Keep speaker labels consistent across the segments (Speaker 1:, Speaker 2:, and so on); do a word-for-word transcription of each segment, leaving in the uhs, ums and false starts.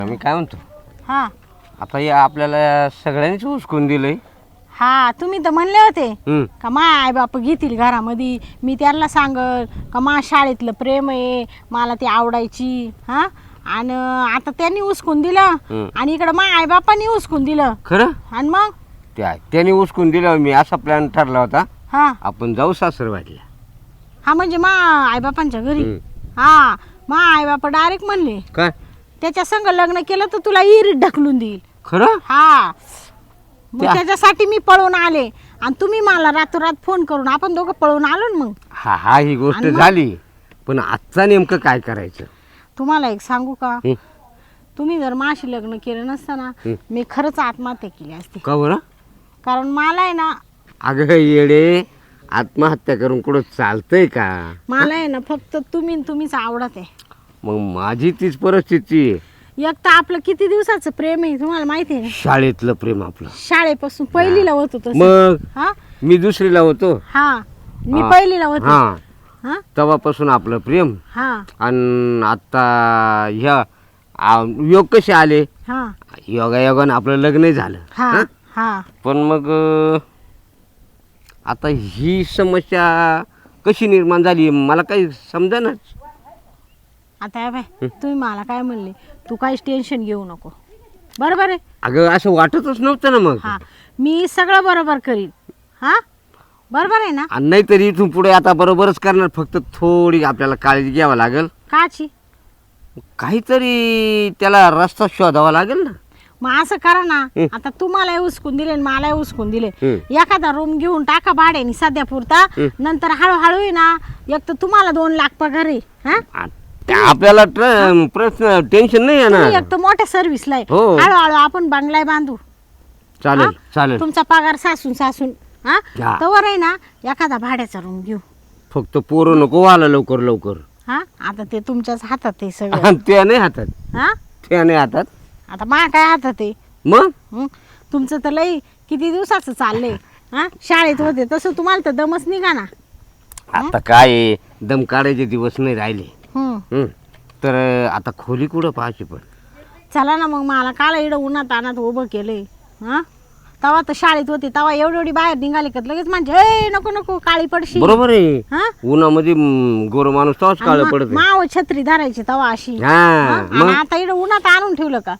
Speaker 1: मी काय म्हणतो
Speaker 2: हा
Speaker 1: आता या आपल्याला सगळ्यांनीच हुसकून दिलंय.
Speaker 2: हा तुम्ही तर म्हणले होते
Speaker 1: हम्म.
Speaker 2: का मा आई बाप घेतील घरामध्ये, मी त्यांना सांगल का मा शाळेतलं प्रेम आहे, मला ती आवडायची. हा आणि आता त्यांनी उचकून दिलं
Speaker 1: हम्म.
Speaker 2: आणि इकडं मा आई बापांनी उचकून दिलं.
Speaker 1: खरं
Speaker 2: आणि मग
Speaker 1: त्या त्याने हुसकून दिल्यावर मी असा प्लॅन ठरला होता
Speaker 2: हा
Speaker 1: आपण जाऊ सासरवाडीला.
Speaker 2: हा म्हणजे मा आई बापांच्या घरी.
Speaker 1: हम्म.
Speaker 2: हा मा आई बापा डायरेक्ट म्हणले
Speaker 1: काय
Speaker 2: त्याच्या संग लग्न केलं तर तुला इरीत ढकलून देईल.
Speaker 1: खरं
Speaker 2: हा मग
Speaker 1: त्या-
Speaker 2: त्याच्यासाठी मी पळून आले आणि तुम्ही मला रातोरात फोन करून आपण दोघं पळून आलो ना. मग
Speaker 1: हा हा ही गोष्ट
Speaker 2: आणि मग?
Speaker 1: झाली पण आजचा नेमकं काय करायचं.
Speaker 2: तुम्हाला एक सांगू का,
Speaker 1: हं.
Speaker 2: तुम्ही जर माझी लग्न केलं नसतं ना
Speaker 1: हं.
Speaker 2: मी खरंच आत्महत्या केली असती.
Speaker 1: का बरं
Speaker 2: कारण मला आहे ना
Speaker 1: अगं येडे आत्महत्या करून कुठं चालतंय का.
Speaker 2: मला आहे ना फक्त तुम्ही न तुम्हीच आवडत आहे.
Speaker 1: मग माझी तीच परिस्थिती आहे.
Speaker 2: एक तर आपलं किती दिवसाचं प्रेम आहे तुम्हाला माहिती आहे ना,
Speaker 1: शाळेतलं प्रेम आपलं.
Speaker 2: शाळेपासून पहिलीला होत होतं.
Speaker 1: मग
Speaker 2: हा
Speaker 1: मी दुसरीला होतो.
Speaker 2: हा मी
Speaker 1: हा.
Speaker 2: पहिलीला होते.
Speaker 1: हा
Speaker 2: हा
Speaker 1: तेव्हापासून आपलं प्रेम
Speaker 2: हा
Speaker 1: आणि आता ह्या आ, योग कसे आले
Speaker 2: हा
Speaker 1: योगा योगानं आपलं लग्न झालं.
Speaker 2: हा
Speaker 1: हं?
Speaker 2: हा
Speaker 1: पण मग अं, आता ही समस्या कशी निर्माण झाली मला काही समजेनाच.
Speaker 2: आता हे बाय तुम्ही मला काय म्हणले, तू काहीच टेन्शन घेऊ नको, बरोबर आहे.
Speaker 1: अगं असं वाटतच नव्हतं ना मग.
Speaker 2: हा मी सगळं बरोबर करीन. हा बरोबर आहे ना.
Speaker 1: आणि नाहीतरी इथून पुढे आता बरोबरच करणार, फक्त थोडी आपल्याला काळजी घ्यावं लागेल.
Speaker 2: काची
Speaker 1: काहीतरी त्याला रस्ता शोधावा लागेल ना.
Speaker 2: मग असं करा ना,
Speaker 1: हं.
Speaker 2: आता तुम्हाला उचकून दिले आणि मला उचकून दिले,
Speaker 1: हं.
Speaker 2: एखादा रूम घेऊन टाका भाड्याने सध्या पुरता,
Speaker 1: हं.
Speaker 2: नंतर हळूहळू आहे ना एक तर तुम्हाला दोन लाख पगार आहे. हा
Speaker 1: आ, त्या आपल्याला ट्र- प्रश्न टेन्शन नाही
Speaker 2: तुम्ही
Speaker 1: येणार.
Speaker 2: एक तर मोठ्या सर्व्हिसला आहे.
Speaker 1: हो.
Speaker 2: हळूहळू आपण बंगला बांधू.
Speaker 1: चालेल
Speaker 2: हा?
Speaker 1: चालेल.
Speaker 2: तुमचा पगार सासून सासून हा
Speaker 1: हा.
Speaker 2: तवर आहे ना एखादा भाड्याचा रूम घेऊ.
Speaker 1: फक्त पोरं नको आला लवकर लवकर.
Speaker 2: हा आता ते तुमच्याच हातात आहे सगळं.
Speaker 1: आणि त्या नाही हातात
Speaker 2: हा
Speaker 1: त्या नाही हातात.
Speaker 2: आता मा काय हातात आहे.
Speaker 1: मग
Speaker 2: हं? तुमचं तर लई किती दिवसाचं चाललंय. हा शाळेत होते तसं तुम्हाला तर दमच निघा ना.
Speaker 1: आता काय आहे, दम काढायचे दिवस नाही राहिले.
Speaker 2: हं.
Speaker 1: हं. तर अं, आता खोली कुठं पाहायची पण.
Speaker 2: चला ना मग, मला काल इकडं उन्हात आणत उभं केलंय. हा तवा तर शाळेत होते तवा एवढी एवढी बाहेर निघाले का लगेच म्हणजे ए नको नको काळी पडशी.
Speaker 1: बरोबर आहे.
Speaker 2: हा
Speaker 1: उन्हामध्ये गोर माणूस तवाच काळ पडत.
Speaker 2: माव छत्री धरायची तवा अशी.
Speaker 1: हा
Speaker 2: हा? आणि
Speaker 1: मग
Speaker 2: आता इकडं उन्हात आणून ठेवलं का.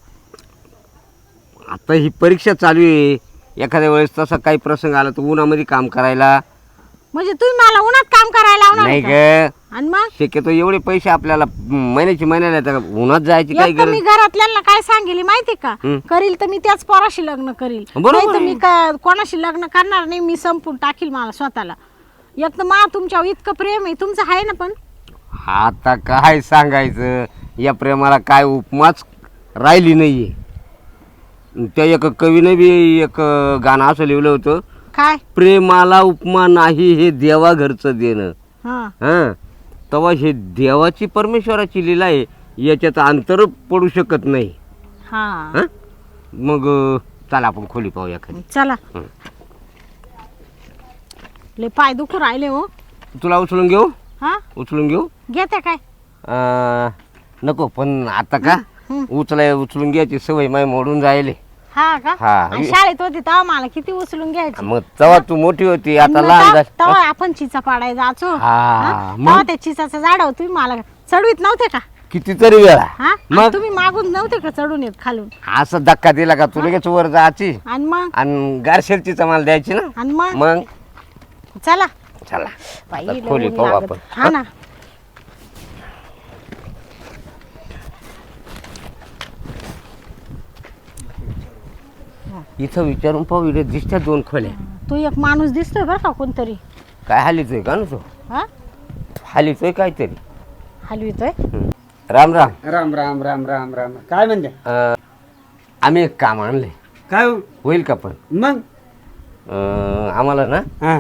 Speaker 1: आता ही परीक्षा चालू आहे. एखाद्या वेळेस तसा काही प्रसंग आला तर उन्हामध्ये काम करायला
Speaker 2: म्हणजे तुम्ही मला उन्हात काम करायला लावणार
Speaker 1: नाही
Speaker 2: का?
Speaker 1: ग.
Speaker 2: आणि मग
Speaker 1: शक्यतो एवढे पैसे आपल्याला महिन्याची महिन्याला येतात का? उन्हात जायची काही
Speaker 2: एक तर
Speaker 1: गरज.
Speaker 2: मी घरातल्यांना काय सांगेल माहिती का,
Speaker 1: हं.
Speaker 2: करील तर मी त्याच पोराशी लग्न करील,
Speaker 1: बरोबर
Speaker 2: नाही तर
Speaker 1: आहे.
Speaker 2: मी का- कोणाशी लग्न करणार नाही. मी संपून टाकील मला स्वतःला. एक तर मा तुमच्यावर इतकं प्रेम आहे, तुमचं आहे ना. पण
Speaker 1: आता काय सांगायचं, या प्रेमाला काय उपमाच राहिली नाहीये. त्या एक कवीने बी एक गाणं असं लिहिलं होतं,
Speaker 2: काय
Speaker 1: प्रेमाला उपमा नाही हे देवा घरचं देणं.
Speaker 2: हा
Speaker 1: हां तेव्हा हे देवाची परमेश्वराची लीला आहे, याच्यात अंतर पडू शकत नाही.
Speaker 2: हा
Speaker 1: हां मग अं, चला आपण खोली पाहूया खाली.
Speaker 2: चला.
Speaker 1: हं.
Speaker 2: लय पाय दुखू राहिले हो.
Speaker 1: तुला उचलून घेऊ
Speaker 2: हा
Speaker 1: उचलून घेऊ
Speaker 2: घेते काय.
Speaker 1: अं, नको पण आता का
Speaker 2: हं.
Speaker 1: उचलाय उचलून घ्यायची सवय माय मोडून जायले.
Speaker 2: हा का.
Speaker 1: हा.
Speaker 2: आणि शाळेत होती तेव्हा मला किती उचलून घ्यायची.
Speaker 1: मग तेव्हा तू मोठी होती, आता
Speaker 2: मग
Speaker 1: लहान
Speaker 2: तेव्हा
Speaker 1: झाली.
Speaker 2: तेव्हा आपण चिचा पाडाय जायचो.
Speaker 1: हा,
Speaker 2: हा?
Speaker 1: मग?
Speaker 2: तेव्हा त्या चिचाचं झाड तुम्ही मला चढवीत नव्हते का.
Speaker 1: कितीतरी वेळा
Speaker 2: हा
Speaker 1: मग?
Speaker 2: आणि तुम्ही मागून नव्हते का चढून येत खालून.
Speaker 1: असं धक्का दिला का तू लगेच वर जायची
Speaker 2: आणि मग
Speaker 1: आणि गारशेरची चमाल द्यायची ना.
Speaker 2: आणि मग
Speaker 1: मग
Speaker 2: चला
Speaker 1: चला
Speaker 2: बाई,
Speaker 1: आता
Speaker 2: लय
Speaker 1: खोली
Speaker 2: ऊन
Speaker 1: पाहू
Speaker 2: लागत.
Speaker 1: आपण.
Speaker 2: हा ना.
Speaker 1: इथं विचारून पाहू, इथे दिसत्या दोन खोल्या.
Speaker 2: तू एक माणूस दिसतोय बरं का कोणतरी.
Speaker 1: काय हालीतोय का ना तो
Speaker 2: हा
Speaker 1: हालीतोय काहीतरी.
Speaker 2: हलवितोय.
Speaker 1: हं. राम राम.
Speaker 3: राम राम राम राम राम. काय म्हणते
Speaker 1: अं, आम्ही एक काम आणले,
Speaker 3: काय हो?
Speaker 1: होईल का पण.
Speaker 3: मग
Speaker 1: अं, आम्हाला ना
Speaker 3: हा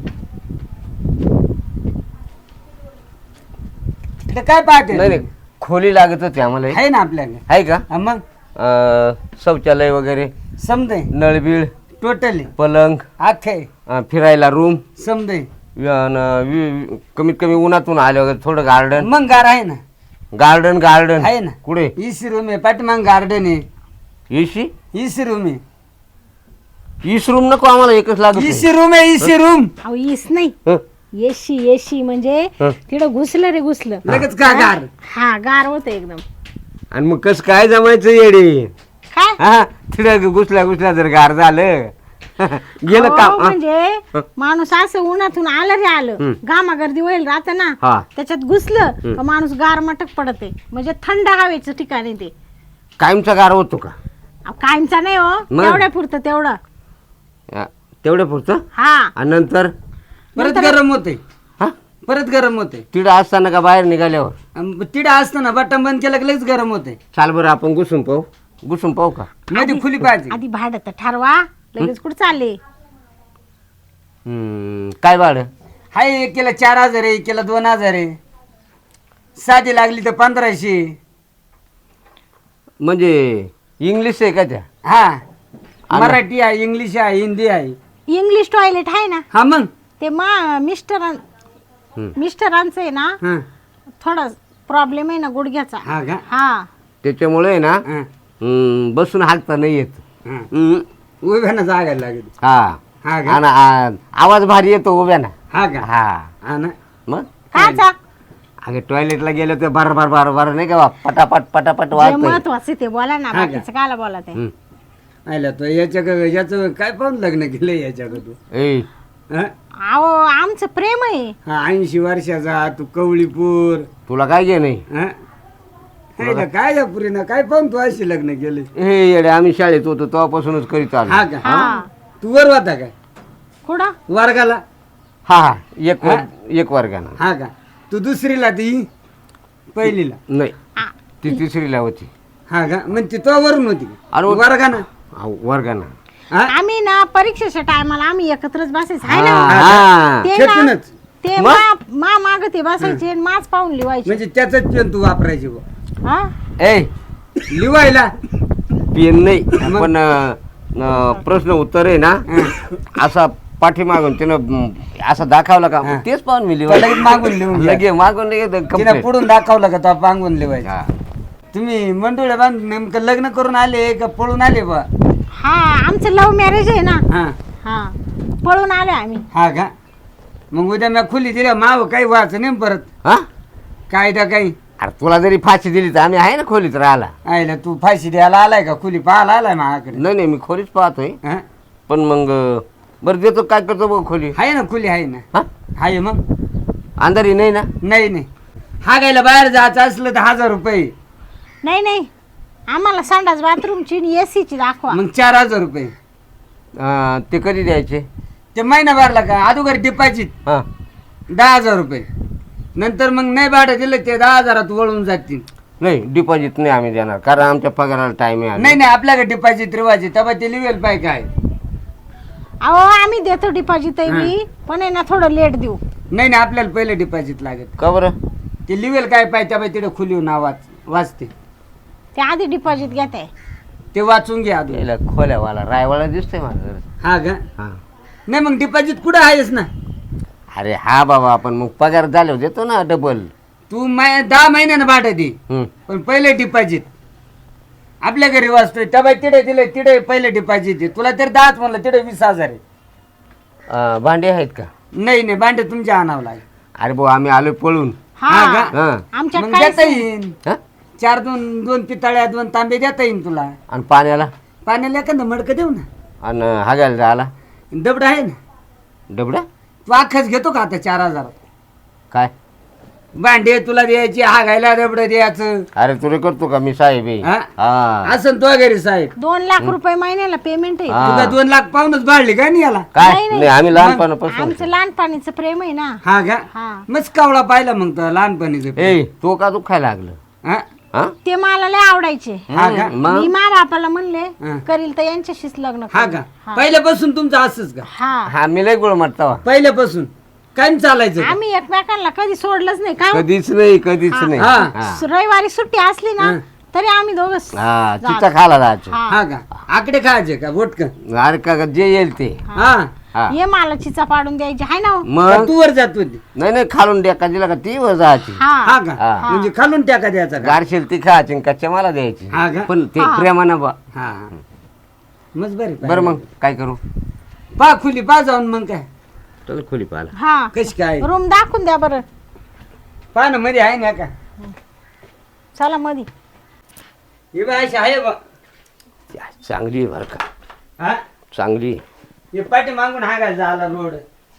Speaker 3: तर काय पाहते
Speaker 1: नाही नाही खोली लागत होती आम्हाला.
Speaker 3: आहे ना आपल्याला.
Speaker 1: आहे का
Speaker 3: हा, मग
Speaker 1: अं, शौचालय वगैरे,
Speaker 3: समजे
Speaker 1: नळबीळ,
Speaker 3: टोटली
Speaker 1: पलंग,
Speaker 3: आखे
Speaker 1: अं, फिरायला रूम,
Speaker 3: समजे.
Speaker 1: कमीत कमी उन्हातून आले वगैरे थोडं गार्डन.
Speaker 3: मग गार आहे ना.
Speaker 1: गार्डन गार्डन
Speaker 3: आहे ना
Speaker 1: कुठे
Speaker 3: इसी रूम आहे पाठीमाग गार्डन आहे
Speaker 1: एसी
Speaker 3: इसी रूम आहे
Speaker 1: ईस रूम नको आम्हाला एकच लागत
Speaker 3: इसी रूम आहे इसी रूम
Speaker 2: अहो इस नाही
Speaker 1: हं?
Speaker 2: एशी एशी म्हणजे
Speaker 1: हं.
Speaker 2: तिकडं घुसलं रे घुसलं
Speaker 3: लगेच का गार
Speaker 2: हा गार होतं एकदम
Speaker 1: आणि मग कस काय जमायचं येडे
Speaker 2: काय
Speaker 1: हा तिथं घुसल्या घुसल्या जर गार झालं गेलं
Speaker 2: अहो,
Speaker 1: काम हा.
Speaker 2: म्हणजे माणूस असं उन्हातून आलं रे आलं
Speaker 1: हं.
Speaker 2: घामागर्दी होईल राहत ना
Speaker 1: हा.
Speaker 2: त्याच्यात घुसलं का माणूस गार मटक पडते म्हणजे थंड हवेचं ठिकाण आहे ते
Speaker 1: कायमचा गार होतो का
Speaker 2: अहो, कायमचा नाही हो
Speaker 1: मग?
Speaker 2: तेवढ्या पुरतं तेवढं
Speaker 1: हा, तेवढं पुरतं
Speaker 2: हा
Speaker 1: आणि नंतर
Speaker 3: परत गरम होते
Speaker 1: हा
Speaker 3: परत गरम होते
Speaker 1: तिथं असताना का बाहेर निघाल्यावर
Speaker 3: तिडा असताना बटन बंद केलं की लगेच गरम होते
Speaker 1: चाल बरं आपण घुसून पाहू घुसून पाहू का
Speaker 3: मध्ये खुली पाहिजे
Speaker 2: आधी भाडं तर ठरवा लगेच कुठं चालले
Speaker 1: हम्म, काय भाडं
Speaker 3: हाय एक केला चार हजार आहे एक केला दोन हजार आहे साधी लागली तर पंधराशे
Speaker 1: म्हणजे इंग्लिश आहे का त्या
Speaker 3: हा मराठी आहे इंग्लिश आहे हिंदी आहे
Speaker 2: इंग्लिश टॉयलेट आहे ना
Speaker 3: हा मग
Speaker 2: ते मा मिस्टरां
Speaker 1: हम्म.
Speaker 2: मिस्टरांचं आहे ना
Speaker 3: हा
Speaker 2: थोडा प्रॉब्लेम आहे ना गुडघ्याचा
Speaker 3: हा का
Speaker 2: हा
Speaker 1: त्याच्यामुळे आहे ना
Speaker 3: हा
Speaker 1: हम्म, बसून हालता नाही येत
Speaker 3: हा
Speaker 1: हम्म,
Speaker 3: उभ्यानं जागायला लागेल
Speaker 1: हा
Speaker 3: हा का
Speaker 1: आणि आ- आवाज भारी येतो उभ्या ना
Speaker 3: हा का
Speaker 1: हा
Speaker 3: हा ना
Speaker 1: मग
Speaker 2: काचा
Speaker 1: अगे टॉयलेटला गेलं तर बार बार बार बार नाही का बा, पटापट पटापट
Speaker 2: जे
Speaker 1: वाजत
Speaker 2: महत्वाचं ते बोला ना
Speaker 3: हा का?
Speaker 2: बाकीचं कायला बोला ते
Speaker 3: आयला तो याच्या याचं काय पाहून लग्न केलं याच्याकडून
Speaker 1: ए
Speaker 3: हा
Speaker 2: अहो आमचं प्रेम आहे
Speaker 3: हा ऐंशी वर्षाचा तू कवळीपूर
Speaker 1: तुला काय घे नाही
Speaker 3: हा हायला काय या पुरीनं काय पाहून तू अशी लग्न केले
Speaker 1: हे येडे आम्ही शाळेत होतो तेव्हापासूनच करीत आलो
Speaker 3: हा का
Speaker 2: हा
Speaker 3: तू वर होता काय
Speaker 2: कुठं
Speaker 3: वर्गाला
Speaker 1: हा हा एक वर- एक वर्गानं
Speaker 3: हा का तू दुसरीला ती पहिलीला
Speaker 1: नाही
Speaker 2: आ,
Speaker 1: ती तिसरीला होती
Speaker 3: हा का मग ती तो वरून होती
Speaker 1: अरे
Speaker 3: वर्गाना
Speaker 1: हा, वर्गानं
Speaker 3: हा
Speaker 2: आम्ही ना परीक्षेच्या टायमाला आम्ही एकत्रच बसायचं आहे ना
Speaker 1: हा, हा.
Speaker 2: ते ना
Speaker 3: खेटूनच
Speaker 2: ते
Speaker 1: मग?
Speaker 2: मा मा माग ते बसायचे आणि माच पाहून लिवायचे
Speaker 3: म्हणजे त्याचाच पेन तू वापरायची बुवा.
Speaker 2: हा
Speaker 1: ए
Speaker 3: लिवायला
Speaker 1: पेन नाही पण अं, अं, प्रश्न उत्तर आहे ना असा पाठीमागून त्यानं अं, असा दाखवला का
Speaker 3: हा.
Speaker 1: तेच पाहून मी
Speaker 3: तो लगेच मागून लिहून
Speaker 1: लिहिलं
Speaker 3: घ्या.
Speaker 1: लगे मागून लगेच
Speaker 3: तिने
Speaker 1: complete.
Speaker 3: पुढून दाखवलं का तो पांगून लिवायचं
Speaker 1: हा.
Speaker 3: तुम्ही मंडोळ्या बांध नेमकं लग्न करून आले का पळून आले बा
Speaker 2: हा आमचं लव्ह मॅरेज आहे ना
Speaker 3: हा
Speaker 2: हा पळून आलो आम्ही
Speaker 3: हा का मग उद्या मी खुली दिल्या माव काही व्हायचं नाही परत
Speaker 1: हा
Speaker 3: कायदा काही
Speaker 1: अरे तुला जरी फाशी दिली तर आम्ही आहे ना खोलीत राहायला
Speaker 3: आयला तू फाशी द्यायला आलाय का खुली पाहायला आलाय माझ्याकडे
Speaker 1: नाही नाही मी खोलीच पाहतोय
Speaker 3: हा?
Speaker 1: पण मग अं, बरं देतो काय करतो बघ खोली
Speaker 3: आहे ना खुली आहे ना
Speaker 1: हा
Speaker 3: आहे मग
Speaker 1: अंधारी नाही ना
Speaker 3: नाही नाही हा गायला बाहेर जायचं असलं तर हजार रुपये
Speaker 2: नाही नाही आम्हाला संडास बाथरूमची एसीची दाखवा
Speaker 3: मग चार हजार रुपये
Speaker 1: अं, ते कधी द्यायचे
Speaker 3: ते महिना भरला का अगोदर डिपॉझिट
Speaker 1: हा
Speaker 3: दहा हजार रुपये नंतर मग नाही भाडं दिलं ते दहा हजारात वळून जातील
Speaker 1: नाही डिपॉझिट नाही आम्ही देणार कारण आमच्या पगाराला टाइम आहे
Speaker 3: नाही नाही आपल्याकडे डिपॉझिट रिवाज तेव्हा ते लिवेल पाय काय
Speaker 2: अहो आम्ही देतो डिपॉझिट बी पण आहे ना थोडं लेट देऊ
Speaker 3: नाही नाही आपल्याला पहिले डिपॉझिट लागत
Speaker 1: का बरं
Speaker 3: ते लिवेल काय पाय तेव्हा तिथे खुली नाव वाचते
Speaker 2: ते आधी डिपॉझिट घेत आहे
Speaker 3: ते वाचून घ्या अजून
Speaker 1: याला खोल्यावाला रायवाला दिसतोय माझं जरा.
Speaker 3: हा का
Speaker 1: हा
Speaker 3: नाही मग डिपॉझिट कुठं आहेस ना
Speaker 1: अरे हा बाबा आपण मग पगार झाल्यावर देतो ना डबल
Speaker 3: तू मै दहा महिन्यानं भाडं दे
Speaker 1: हम्म.
Speaker 3: पण पहिले डिपॉझिट आपल्या घरी वाचतोय तेव्हा तिथे दिले तिथे पहिले डिपॉझिट दे तुला तर दहाच म्हणलं तिथे वीस हजार आहे
Speaker 1: अं, भांडे आहेत का
Speaker 3: नाही नाही भांडे तुमच्या आणावं लागेल
Speaker 1: अरे भाऊ आम्ही आलोय पळून
Speaker 3: हा
Speaker 2: हा
Speaker 3: का?
Speaker 1: हा
Speaker 2: आमच्या
Speaker 3: मग
Speaker 2: काहीच
Speaker 3: देता
Speaker 2: नाही.
Speaker 3: येईन
Speaker 1: हा?
Speaker 3: चार दोन दोन पितळ्या दोन तांबे देता येईन तुला
Speaker 1: आणि पाण्याला
Speaker 3: पाण्याला एखादं मडकं देऊ ना
Speaker 1: आणि हागायला जायला
Speaker 3: दबड आहे ना
Speaker 1: डबडा
Speaker 3: तू अख्खाच घेतो का आता चार हजार
Speaker 1: काय
Speaker 3: भांडे तुला द्यायची हागायला दबड द्यायचं
Speaker 1: अरे तुला करतो का मी साहेब आहे
Speaker 3: हा?
Speaker 1: हा
Speaker 3: असं तो घरी साहेब
Speaker 2: दोन लाख रुपये महिन्याला पेमेंट आहे
Speaker 1: हा.
Speaker 3: तुला दोन लाख पाहूनच भाडली का नाही याला
Speaker 1: काय
Speaker 2: नाही, नाही.
Speaker 1: नाही आम्ही लहानपणापासून
Speaker 2: आमचं लहानपणीचं प्रेम आहे ना
Speaker 3: हा का
Speaker 2: हा
Speaker 3: मस्त कावळा पाहिला मग तो लहानपणीच
Speaker 1: ए तो का दुखायला लागलं
Speaker 3: हा
Speaker 1: हा
Speaker 2: ते मला लय आवडायचे
Speaker 3: हा का?
Speaker 1: हम्म, मग
Speaker 2: मी मा बापाला म्हणले
Speaker 3: हा.
Speaker 2: करील तर यांच्याशीच लग्न
Speaker 3: हा
Speaker 2: करील.
Speaker 3: का
Speaker 2: हा.
Speaker 3: पहिल्यापासून तुमचं असंच का
Speaker 2: हा
Speaker 1: हा मी लय गोळ मारता
Speaker 3: पहिल्यापासून काय चालायचं का?
Speaker 2: आम्ही एकमेकांना कधी सोडलंच नाही का
Speaker 1: कधीच नाही कधीच नाही
Speaker 3: हा.
Speaker 1: हा.
Speaker 2: रविवारी सुट्टी असली ना
Speaker 3: हा.
Speaker 2: तरी आम्ही दोघं
Speaker 1: हा
Speaker 2: जा-
Speaker 1: चिचा खायला जायचं
Speaker 2: हा.
Speaker 3: हा का आकडे खायचे का बोटक
Speaker 1: अरे का जे येईल ते
Speaker 3: हा
Speaker 1: हा.
Speaker 2: ये मला चिचा पाडून द्यायची हाय ना हो?
Speaker 1: मग
Speaker 3: तू वर जात होती
Speaker 1: नाही नाही खालून द्या का दिला का ती वर जायची
Speaker 2: हा
Speaker 3: हा का
Speaker 1: हा.
Speaker 3: म्हणजे खालून टाका द्यायचा का
Speaker 1: गारशील ती खायची आणि कच्च्या मला द्यायची
Speaker 3: हा का?
Speaker 1: पण ते
Speaker 2: हा.
Speaker 1: प्रेमानं बा
Speaker 3: हा मग बरी
Speaker 1: बरं मग काय करू
Speaker 3: पा खुली पा जाऊन मग काय
Speaker 1: चल खोली पाहिला
Speaker 2: हा
Speaker 3: कशी काय
Speaker 2: रूम दाखवून द्या बरं
Speaker 3: पा ना मध्ये आहे ना का
Speaker 2: चला मधी
Speaker 3: हे बा अशी आहे बा
Speaker 1: चांगली आहे बरं का
Speaker 3: हा
Speaker 1: चांगली आहे.
Speaker 3: हे पाठी मागून हागायला झाला रोड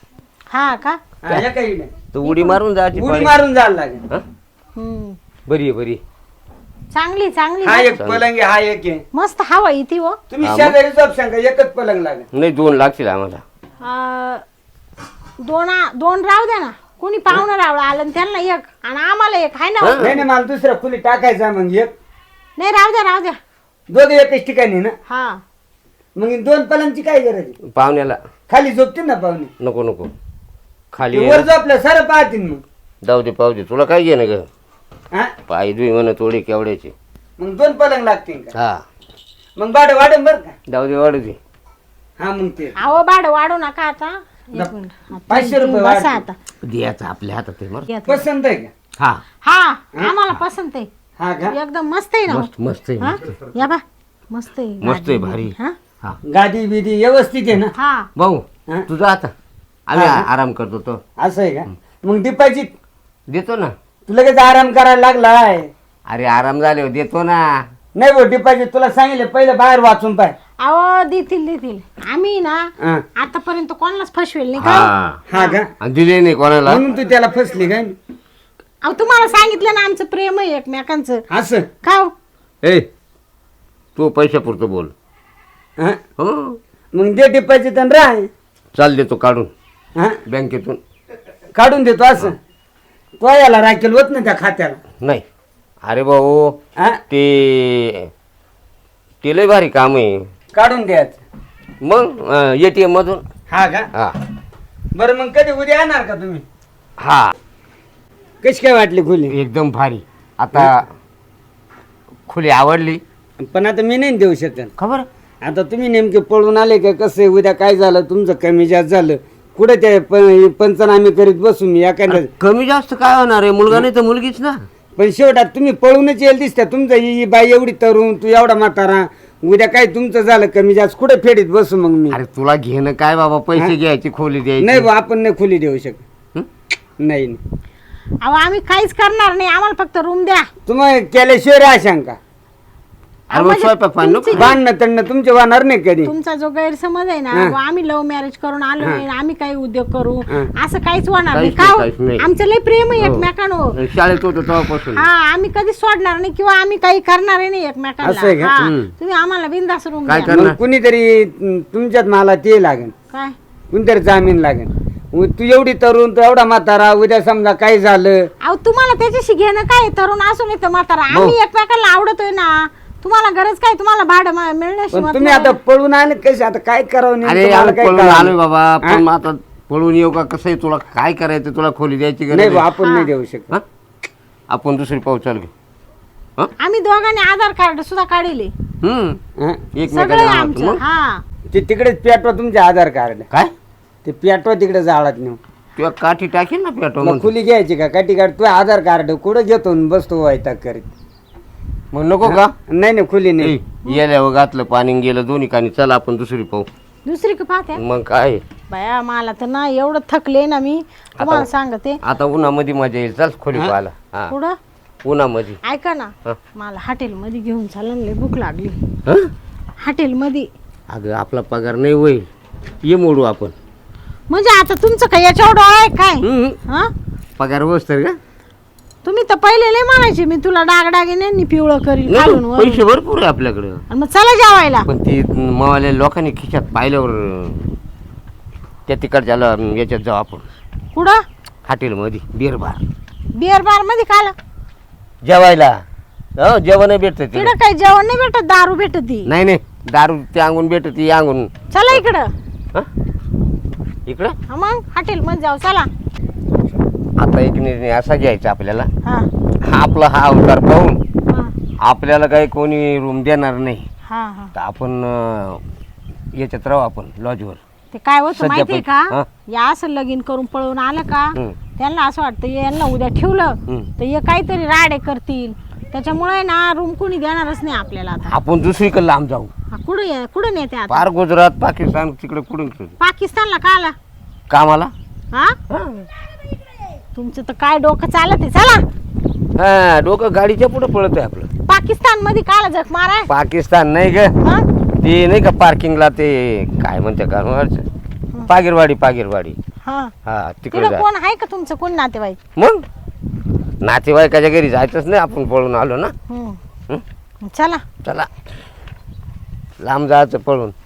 Speaker 2: हा का
Speaker 3: हा, या काही नाही
Speaker 1: तर उडी मारून जायची
Speaker 3: उडी
Speaker 1: पाळी.
Speaker 3: मारून जायला लागेल
Speaker 1: हा?
Speaker 2: हम्म
Speaker 1: बरी आहे बरी आहे.
Speaker 2: चांगली चांगली
Speaker 3: हा एक पलंग आहे हा एक आहे
Speaker 2: मस्त हवा इथे हो
Speaker 3: तुम्ही
Speaker 1: हा, मग?
Speaker 3: शेजारी झोप सांगा एकच पलंग लागेल
Speaker 1: नाही दोन लागतील आम्हाला
Speaker 2: अं, दोन दोन राहू द्या ना कोणी पाहुणं रावळं आलं आणि त्यांना एक आणि आम्हाला एक हाय ना हो?
Speaker 1: हा.
Speaker 3: नाही नाही मला दुसऱ्या खुली टाकायचा मग एक
Speaker 2: नाही राहू द्या राहू द्या
Speaker 3: दोघे एकच ठिकाणी ना
Speaker 2: हा
Speaker 3: मग दोन पलंगची काय गरज आहे?
Speaker 1: पाहुण्याला
Speaker 3: खाली झोपतील ना पाहुणे
Speaker 1: नको नको खाली
Speaker 3: ते
Speaker 1: आहे
Speaker 3: वर
Speaker 1: ना.
Speaker 3: झोपल्या सारं पाहतील मग
Speaker 1: जाऊ दे पाहू दे तुला काय घे ना ग
Speaker 3: हा
Speaker 1: पाय दुई म्हण थोडी केवड्याची
Speaker 3: मग दोन पलंग लागतील का
Speaker 1: हा
Speaker 3: मग भाडं वाढेल बरं का
Speaker 1: जाऊ दे वाढू दे
Speaker 3: हा मग ते
Speaker 2: अहो भाडं वाढू नका आता एक
Speaker 3: नक-
Speaker 2: मिनिट. हा,
Speaker 3: पाचशे
Speaker 2: तुम्ही
Speaker 3: रुपये
Speaker 2: बसा
Speaker 3: वाढतील.
Speaker 2: आता
Speaker 1: द्यायचं आपल्या हातात आहे मग
Speaker 2: या तुम्ही.
Speaker 3: पसंत आहे का
Speaker 1: हा
Speaker 2: हा आम्हाला पसंत आहे
Speaker 3: हा का
Speaker 2: एकदम मस्त आहे ना हो.
Speaker 1: मस्त मस्त आहे
Speaker 2: हा?
Speaker 1: मस्त आहे.
Speaker 2: या बा मस्त आहे
Speaker 1: मस्त आहे,
Speaker 2: गादी.
Speaker 1: भारी.
Speaker 2: हा
Speaker 1: हा
Speaker 3: गादी बिदी व्यवस्थित आहे ना
Speaker 2: हा
Speaker 1: भाऊ
Speaker 3: हा?
Speaker 1: तुझा आता आम्ही
Speaker 3: हा.
Speaker 1: आराम करतो तो
Speaker 3: असं आहे का मग डिपॉझिट
Speaker 1: देतो ना
Speaker 3: तू लगेच आराम करायला लागलाय
Speaker 1: अरे आराम झाल्यावर देतो ना
Speaker 3: नाही भाऊ डिपॉझिट तुला सांगितलं पहिलं बाहेर वाचून पाय
Speaker 2: अहो देतील देतील आम्ही ना
Speaker 3: हा
Speaker 2: आतापर्यंत कोणालाच फसवेल नाही का
Speaker 1: हा
Speaker 3: हा का
Speaker 1: आणि दिले नाही कोणाला
Speaker 3: म्हणून तू त्याला फसली काय
Speaker 2: अहो तुम्हाला सांगितलं ना आमचं प्रेम आहे एकमेकांचं
Speaker 3: असं
Speaker 2: का हो?
Speaker 1: ए तू पैशापुरतं बोल
Speaker 3: हा
Speaker 1: हो
Speaker 3: मग दे डिपॉझिट आणि राह
Speaker 1: चाल देतो काढून
Speaker 3: हा
Speaker 1: बँकेतून
Speaker 3: काढून देतो असं तो याला राखेल होत ना त्या खात्याला
Speaker 1: नाही अरे भाऊ
Speaker 3: हा
Speaker 1: ते ते लय भारी काम आहे
Speaker 3: काढून द्यायचं
Speaker 1: मग एटीएम मधून
Speaker 3: हा का
Speaker 1: हा
Speaker 3: बरं मग कधी उद्या येणार का तुम्ही
Speaker 1: हा
Speaker 3: कशी काय वाटली खुली
Speaker 1: एकदम भारी आता खुली आवडली
Speaker 3: पण आता मी नाही देऊ शकत
Speaker 1: खबर
Speaker 3: आता तुम्ही नेमके पळून आले का कसं आहे, उद्या काय झालं तुमचं कमी जास्त झालं कुठे ते प- पंचनामे करीत बसू मी एखाद्या
Speaker 1: कमी जास्त काय होणार आहे मुलगा नाही तर मुलगीच ना
Speaker 3: पण शेवटात तुम्ही पळूनच येईल दिसत्या तुमचं ही ही बाई एवढी तरुण तू एवढा म्हातारा उद्या काय तुमचं झालं कमी जास्त कुठे फेडीत बसू मग मी
Speaker 1: अरे तुला घेणं काय बाबा पैसे घ्यायची खोली
Speaker 3: नाही
Speaker 1: द्यायची
Speaker 3: बा आपण नाही खुली देऊ शकत
Speaker 1: हं?
Speaker 3: नाही नाही.
Speaker 2: अहो आम्ही काहीच करणार नाही आम्हाला फक्त रूम द्या
Speaker 3: तुम्हाला केल्याशिवाय राहशांका
Speaker 1: अरे मग
Speaker 2: म्हणजे
Speaker 1: स्वयंपाक पाणी नको
Speaker 2: तुमची-
Speaker 3: भांडणं तंडणं तुमचे वाहणार नाही कधी
Speaker 2: तुमचा जो गैरसमज आहे ना
Speaker 3: हा.
Speaker 2: व आम्ही लव्ह मॅरेज करून आलो
Speaker 3: हा.
Speaker 2: नाही आम्ही काही उद्योग करू
Speaker 3: हा.
Speaker 2: असं काहीच होणार नाही
Speaker 1: काहीच
Speaker 2: का
Speaker 1: नाही,
Speaker 2: हो?
Speaker 1: काहीच नाही.
Speaker 2: आमचं लय प्रेम आहे
Speaker 1: हो.
Speaker 2: एकमेकांवर
Speaker 1: शाळेत होतो तेव्हापासून
Speaker 2: हा आम्ही कधीच सोडणार नाही किंवा आम्ही काही करणार नाही एकमेकांना
Speaker 3: असं आहे का?
Speaker 2: हा.
Speaker 1: हम्म.
Speaker 2: तुम्ही आम्हाला बिंदास रूम
Speaker 1: काय
Speaker 2: द्या
Speaker 1: करणार?
Speaker 3: मग कुणीतरी तुम- तुमच्यात मला ते लागेल
Speaker 2: काय
Speaker 3: कुणीतरी जामीन लागेल उ- तू एवढी तरुण तू एवढा म्हातारा उद्या समजा काय झालं
Speaker 2: अहो तुम्हाला त्याच्याशी घेणं काय तरुण असून येतं म्हातारा आम्ही एकमेकांना आवडतोय ना तुम्हाला गरज काय तुम्हाला भाडं मा- मिळण्याशी
Speaker 3: पण
Speaker 2: मतलब
Speaker 3: तुम्ही आता पळून आले कसे आता काय करावं नेमकं
Speaker 1: अरे
Speaker 3: मला
Speaker 1: आम्ही
Speaker 3: काय
Speaker 1: पळून
Speaker 3: कळलं
Speaker 1: आलोय बाबा
Speaker 3: हा?
Speaker 1: पण मग आता पळून येऊ का कसं आहे तुला काय करायचं तुला खोली द्यायची
Speaker 3: नाही
Speaker 1: गरज
Speaker 3: बा
Speaker 1: आहे?
Speaker 3: आपण नाही देऊ शकत
Speaker 1: हा? आपण दुसरी पाऊस चाल घेऊ
Speaker 2: आम्ही दोघांनी आधार कार्ड सुद्धा काढले
Speaker 1: हम्म
Speaker 3: हं?
Speaker 2: सगळं
Speaker 1: एकमेकांना
Speaker 2: आहे
Speaker 1: आवडतं.
Speaker 2: आमचं
Speaker 1: मग
Speaker 2: हा
Speaker 3: ते तिकडेच पेटवा तुमचे आधार कार्ड
Speaker 1: काय
Speaker 3: ते पेटवा तिकडे जाळात नेऊ
Speaker 1: तुला काठी टाकेल ना पेटो
Speaker 3: मग खुली घ्यायची का काठी कार्ड तू आधार कार्ड कुठं घेतो आणि बसतो वायता करीत
Speaker 1: मग नको का
Speaker 3: नाही नाही खुली नाही
Speaker 1: गेल्यावर घातलं पाणी गेलं दोन्ही कानी चला आपण दुसरी पाहू
Speaker 2: दुसरी का पाहत्या
Speaker 1: मग काय
Speaker 2: बाया मला तर ना एवढं थकले ना मी तुम्हाला सांगते
Speaker 1: आता उन्हामध्ये मजा येईल चल खोली पाहायला हा
Speaker 2: पुढं
Speaker 1: उन्हामध्ये
Speaker 2: ऐका ना
Speaker 1: हा.
Speaker 2: मला हॉटेलमध्ये घेऊन चालला लय भूक लागली
Speaker 1: हं?
Speaker 2: हॉटेलमध्ये
Speaker 1: अगं आपला पगार नाही होईल ये मोडू आपण
Speaker 2: म्हणजे आता तुमचं काय याच्यावर डोळा आहे काय
Speaker 1: हं?
Speaker 2: हा
Speaker 1: पगार बसतर का
Speaker 2: तुम्ही तर पहिले लय म्हणायचे मी तुला डागडागिने पिवळं करील
Speaker 1: नाही,
Speaker 2: घालून वरून.
Speaker 1: पैसे भरपूर आहे आपल्याकडं
Speaker 2: आणि मग चला जेवायला
Speaker 1: पण ती मावाल्या लोकांनी खिशात पाहिल्यावर त्या तिकडच्या ल- याच्यात जाऊ आपण
Speaker 2: कुठं
Speaker 1: हॉटेलमध्ये बिअर बार
Speaker 2: बिअर बार मध्ये खाला
Speaker 1: जेवायला हो जेवण भेटत
Speaker 2: तिकडं काही जेवण नाही भेटत दारू भेटत ती
Speaker 1: नाही नाही दारू ते अंगून भेटत ती अंगून
Speaker 2: चला इकडं
Speaker 1: हं? इकडं
Speaker 2: हा मग हॉटेल मध्ये जाऊ चला
Speaker 1: आता एक निर्णय असा घ्यायचा आपल्याला
Speaker 2: हा
Speaker 1: हा आपला हा अवतार पाहून
Speaker 2: हा
Speaker 1: आपल्याला काही कोणी रूम देणार नाही
Speaker 2: हा हा
Speaker 1: तर आपण अं, याच्यात राहू आपण लॉजवर
Speaker 2: ते काय होतं
Speaker 1: सध्या
Speaker 2: माहितीये
Speaker 1: पण-
Speaker 2: का
Speaker 1: हा.
Speaker 2: या असं लगीन करून पळून आलं का
Speaker 1: हम्म.
Speaker 2: त्यांना असं वाटतं यांना उद्या ठेवलं
Speaker 1: हम्म.
Speaker 2: तर हे काहीतरी राडे करतील त्याच्यामुळे ना रूम कुणी देणारच नाही आपल्याला आता
Speaker 1: आपण दुसरीकडे लांब जाऊ
Speaker 2: हा, कुठं ये- कुठं नेते आता
Speaker 1: फार गुजरात पाकिस्तान तिकडे कुठून
Speaker 2: पाकिस्तानला का आला
Speaker 1: कामाला
Speaker 2: हा
Speaker 1: हा.
Speaker 2: तुमचं तर काय डोकं चालत आहे चला
Speaker 1: हा डोकं गाडीच्या पुढे पळत आहे आपलं.
Speaker 2: पाकिस्तान मध्ये काला जग माराय
Speaker 1: पाकिस्तान नाही ग
Speaker 2: हा?
Speaker 1: ते नाही का पार्किंगला ते काय म्हणते का पागिरवाडी पागिरवाडी
Speaker 2: हा
Speaker 1: हा तिकडे
Speaker 2: तिकडं
Speaker 1: जा
Speaker 2: कोण आहे का तुमचं कोण नातेवाईक
Speaker 1: मग नातेवाईकाच्या घरी जायचंच नाही आपण पळून आलो ना
Speaker 2: हम्म.
Speaker 1: हं?
Speaker 2: चला
Speaker 1: चला लांब जायचं पळून